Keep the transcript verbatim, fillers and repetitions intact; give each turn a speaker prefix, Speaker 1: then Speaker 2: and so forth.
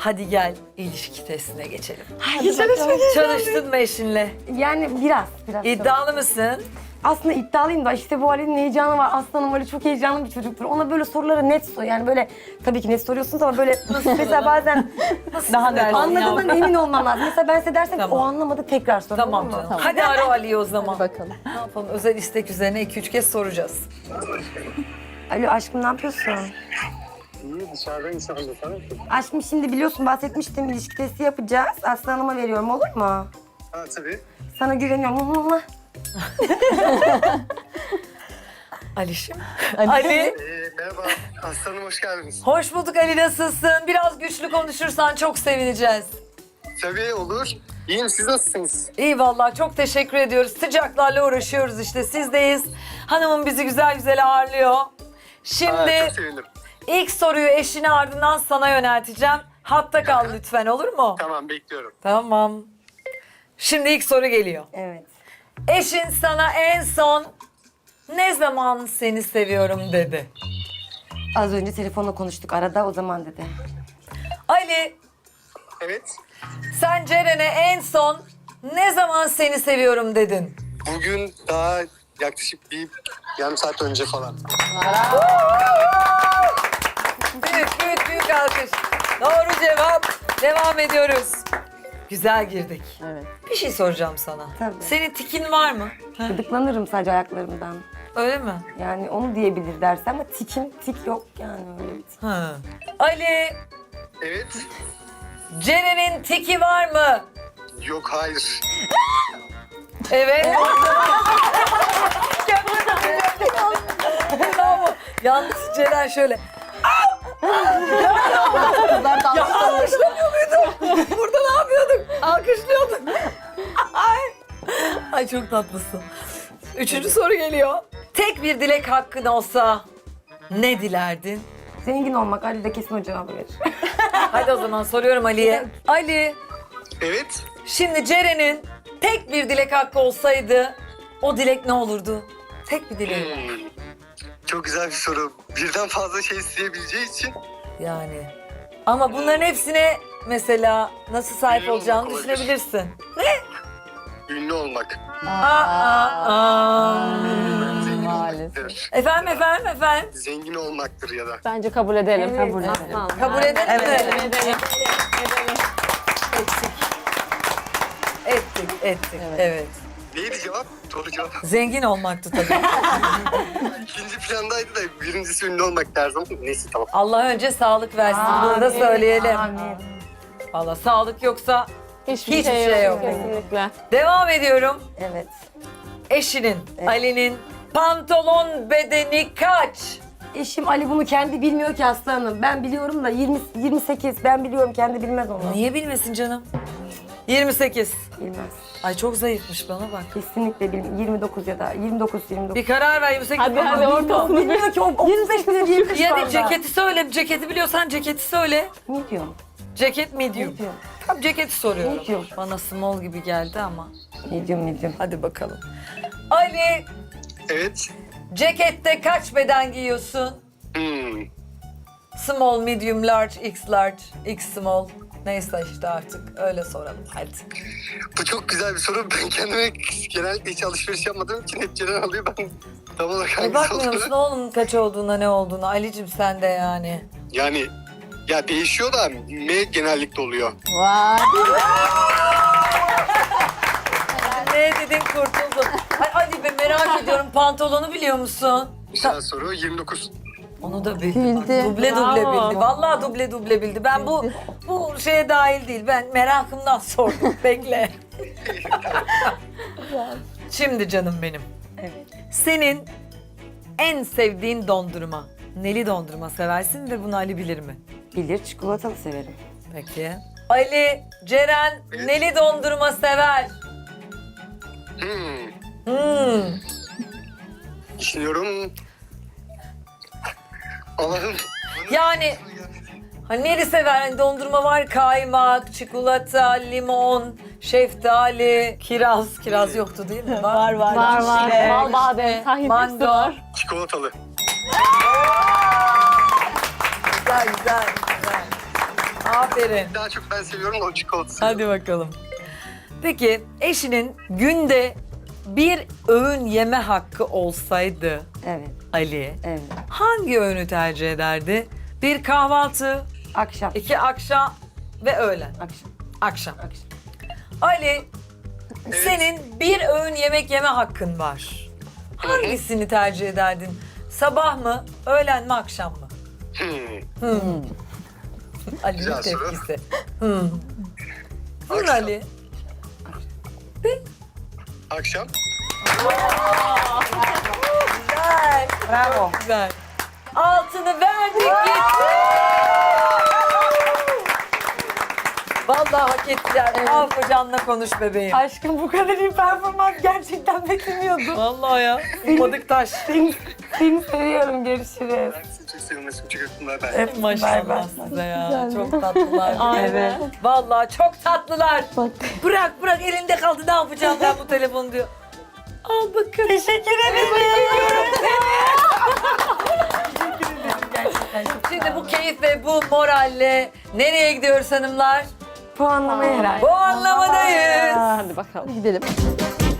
Speaker 1: Hadi gel ilişki testine geçelim.
Speaker 2: Hadi bakalım.
Speaker 1: Çalıştın mı eşinle?
Speaker 2: Yani biraz, biraz.
Speaker 1: İddialı mısın?
Speaker 2: Aslında iddialıyım da işte bu Ali'nin heyecanı var. Aslanım Ali çok heyecanlı bir çocuktur. Ona böyle soruları net sor. Yani böyle tabii ki net soruyorsunuz ama böyle mesela bazen
Speaker 1: Daha net
Speaker 2: anladığından emin olmam lazım. Mesela ben size dersem
Speaker 1: Tamam.
Speaker 2: ki o anlamadı tekrar sor.
Speaker 1: Tamam
Speaker 2: olur mu?
Speaker 1: canım.
Speaker 3: Tamam.
Speaker 1: Hadi ara Ali'yi o zaman.
Speaker 3: Bakalım.
Speaker 1: Ne yapalım? Özel istek üzerine iki üç kez soracağız.
Speaker 2: Alo aşkım ne yapıyorsun?
Speaker 4: İyi dışarıdan insandı sana.
Speaker 2: Aşkım şimdi biliyorsun bahsetmiştim ilişki testi yapacağız. Aslı Hanım'a veriyorum olur mu?
Speaker 4: Ha tabii.
Speaker 2: Sana güveniyorum. Hı hı hı.
Speaker 1: Alişim. Ali.
Speaker 4: Ee, merhaba aslanım hoş geldiniz.
Speaker 1: Hoş bulduk Ali, nasılsın? Biraz güçlü konuşursan çok sevineceğiz.
Speaker 4: Tabii olur. İyiyim siz nasılsınız?
Speaker 1: İyi vallahi, çok teşekkür ediyoruz. Sıcaklarla uğraşıyoruz işte, sizdeyiz. Hanımım bizi güzel güzel ağırlıyor. Şimdi
Speaker 4: Aa, çok sevindim.
Speaker 1: ilk soruyu eşine ardından sana yönelteceğim. Hatta kal lütfen, olur mu?
Speaker 4: Tamam bekliyorum.
Speaker 1: Tamam. Şimdi ilk soru geliyor.
Speaker 2: Evet.
Speaker 1: Eşin sana en son ne zaman seni seviyorum dedi?
Speaker 2: Az önce telefonla konuştuk arada o zaman dedi.
Speaker 1: Ali,
Speaker 4: Evet.
Speaker 1: sen Ceren'e en son ne zaman seni seviyorum dedin?
Speaker 4: Bugün daha yaklaşık bir yarım saat önce falan.
Speaker 1: Büyük büyük büyük alkış. Doğru cevap. Devam ediyoruz. Güzel girdik.
Speaker 3: Evet.
Speaker 1: Bir şey soracağım sana.
Speaker 2: Tabii.
Speaker 1: Senin tikin var mı? Heh,
Speaker 2: Gıdıklanırım sadece ayaklarımdan.
Speaker 1: öyle mi?
Speaker 2: Yani onu diyebilir derse ama tikim tik yok yani öyle bir tik.
Speaker 1: Ha. Ali,
Speaker 4: Evet.
Speaker 1: Ceren'in tiki var mı?
Speaker 4: Yok hayır.
Speaker 1: Evet. Bravo. Yalnız Ceren şöyle.
Speaker 3: Kızlar da
Speaker 1: Ya alkışlamıyor muyduk? Burada ne yapıyorduk? Alkışlıyorduk. Ay. Ay çok tatlısın. Üçüncü soru geliyor. Tek bir dilek hakkın olsa ne dilerdin?
Speaker 2: Zengin olmak Ali de kesin o cevabı verir.
Speaker 1: Hadi o zaman soruyorum Ali'ye. Ali,
Speaker 4: Evet.
Speaker 1: şimdi Ceren'in tek bir dilek hakkı olsaydı o dilek ne olurdu? Tek bir dileği.
Speaker 4: Hmm. Çok güzel bir soru. Birden fazla şey isteyebileceği için
Speaker 1: Yani. Ama bunların hepsine mesela nasıl sahip
Speaker 4: Ünlü
Speaker 1: olacağını
Speaker 4: olmak olabilir.
Speaker 1: düşünebilirsin.
Speaker 4: ünlü olmak.
Speaker 1: Aa, aa, aa.
Speaker 4: Zengin
Speaker 3: maalesef.
Speaker 4: olmaktır.
Speaker 1: Efendim efendim efendim.
Speaker 4: Zengin olmaktır ya da.
Speaker 3: Bence kabul edelim.
Speaker 2: Evet,
Speaker 3: kabul edelim.
Speaker 2: aslan.
Speaker 1: Kabul edelim mi?
Speaker 3: Edelim.
Speaker 1: Ettik. Ettik, ettik. Evet.
Speaker 4: Neydi cevap? Doğru cevap.
Speaker 1: Zengin olmaktı tabii.
Speaker 4: İkinci plandaydı da birincisi ünlü olmak derdim. Neyse tamam.
Speaker 1: Allah önce sağlık versin. Bunu da
Speaker 2: Amin,
Speaker 1: söyleyelim.
Speaker 2: amin.
Speaker 1: Valla sağlık yoksa
Speaker 3: Hiçbir,
Speaker 1: Hiçbir
Speaker 3: şey,
Speaker 1: şey
Speaker 3: yok.
Speaker 1: yok.
Speaker 3: Kesinlikle.
Speaker 1: devam ediyorum.
Speaker 2: Evet.
Speaker 1: Eşinin, Ali'nin pantolon bedeni kaç?
Speaker 2: Eşim Ali bunu kendi bilmiyor ki aslanım. Ben biliyorum da yirmi, yirmi sekiz. Ben biliyorum kendi bilmez onu.
Speaker 1: Niye bilmesin canım? yirmi sekiz.
Speaker 2: Bilmez.
Speaker 1: Ay çok zayıfmış, bana bak.
Speaker 2: Kesinlikle bilmiyor. yirmi dokuz ya da yirmi dokuz yirmi dokuz.
Speaker 1: Bir karar ver, yirmi sekiz.
Speaker 3: Hadi
Speaker 1: Ama
Speaker 3: hadi
Speaker 1: bilmiyorum.
Speaker 3: ortasını bir.
Speaker 2: Bilmiyor ki o otuz beş bile değil kız
Speaker 1: Ya
Speaker 2: şu
Speaker 1: da
Speaker 2: anda.
Speaker 1: ceketi söyle. Ceketi biliyorsan ceketi söyle.
Speaker 2: Ne diyor?
Speaker 1: Ceket medium.
Speaker 2: Ne diyor?
Speaker 1: Tam ceketi soruyorum.
Speaker 2: Medium.
Speaker 1: Bana small gibi geldi ama.
Speaker 2: Medium medium.
Speaker 1: Hadi bakalım. Ali,
Speaker 4: Evet.
Speaker 1: cekette kaç beden giyiyorsun?
Speaker 4: Hmm.
Speaker 1: Small, medium, large, x large, x small. Neyse işte artık öyle soralım hadi.
Speaker 4: Bu çok güzel bir soru. Ben kendime genellikle hiç alışveriş yapmadığım için hep Ceren alıyor. Ben tam olarak
Speaker 1: E
Speaker 4: hangisi
Speaker 1: bakmıyor musun
Speaker 4: olduğunu...
Speaker 1: oğlum kaç olduğuna, ne olduğuna? Ali'cim sen de yani.
Speaker 4: Yani ya değişiyor da M genellikle oluyor.
Speaker 3: Vay.
Speaker 1: Ne dedin, kurtuldun. Ay Ali be, merak ediyorum, pantolonu biliyor musun?
Speaker 4: Güzel soru. yirmi dokuz.
Speaker 1: Onu da bildi. Bak,
Speaker 3: Bildi.
Speaker 1: duble duble
Speaker 3: Bravo.
Speaker 1: bildi. Vallahi duble duble bildi. Ben bu bu şeye dahil değil. Ben merakımdan sordum. Bekle. Şimdi canım benim.
Speaker 2: Evet.
Speaker 1: Senin en sevdiğin dondurma. Neli dondurma seversin ve bunu Ali bilir mi?
Speaker 2: Bilir, çikolatalı severim.
Speaker 1: Peki. Ali, Ceren
Speaker 4: Evet.
Speaker 1: neli dondurma sever.
Speaker 4: Hmm.
Speaker 1: Hmm.
Speaker 4: Düşünüyorum. Allah'ım.
Speaker 1: Yani hani neli sever? Hani dondurma var, kaymak, çikolata, limon, şeftali, kiraz. Kiraz yoktu değil mi? Var var.
Speaker 3: Var var.
Speaker 1: Çilek,
Speaker 3: Bal badem. Tahin hepsi
Speaker 1: mango.
Speaker 3: var.
Speaker 4: Çikolatalı.
Speaker 1: Güzel güzel güzel. Aferin.
Speaker 4: Daha çok ben seviyorum da o çikolata seviyorum.
Speaker 1: Hadi bakalım. Peki eşinin günde bir öğün yeme hakkı olsaydı
Speaker 2: Evet,
Speaker 1: Ali
Speaker 2: evet.
Speaker 1: hangi öğünü tercih ederdi? Bir kahvaltı,
Speaker 2: Akşam.
Speaker 1: iki akşam ve öğlen.
Speaker 2: Akşam.
Speaker 1: Akşam.
Speaker 2: Akşam.
Speaker 1: Ali senin bir öğün yemek yeme hakkın var. Hangisini tercih ederdin? Sabah mı, öğlen mi, akşam mı?
Speaker 4: Hmm.
Speaker 1: Ali'nin
Speaker 4: Güzel soru.
Speaker 1: tepkisi. Hmm. Vur
Speaker 4: Akşam.
Speaker 1: Ali.
Speaker 4: Akşam.
Speaker 1: Güzel.
Speaker 2: Bravo.
Speaker 1: Çok güzel. Altını verdik gitti. Vallahi hak ettiler. Al kocanla konuş bebeğim.
Speaker 2: Aşkım bu kadar iyi performans gerçekten beklemiyordum.
Speaker 1: Vallahi ya. Ummadık taş.
Speaker 2: Seni, seni seviyorum. Görüşürüz.
Speaker 4: Ben sizi çok seviyorum. Çok öptüm. Ben.
Speaker 2: Evet,
Speaker 1: Maşallah
Speaker 2: bay bay.
Speaker 1: size ya. Çok tatlılar.
Speaker 3: Evet.
Speaker 1: Vallahi çok tatlılar. Bırak bırak elinde kaldı ne yapacağım ben bu telefonu diyor. Al bakın.
Speaker 2: Teşekkür ederim.
Speaker 1: Şimdi bu keyif ve bu moralle nereye gidiyoruz hanımlar?
Speaker 2: Puanlamaya herhalde.
Speaker 1: Bu anlamadayız.
Speaker 3: Hadi bakalım. Gidelim.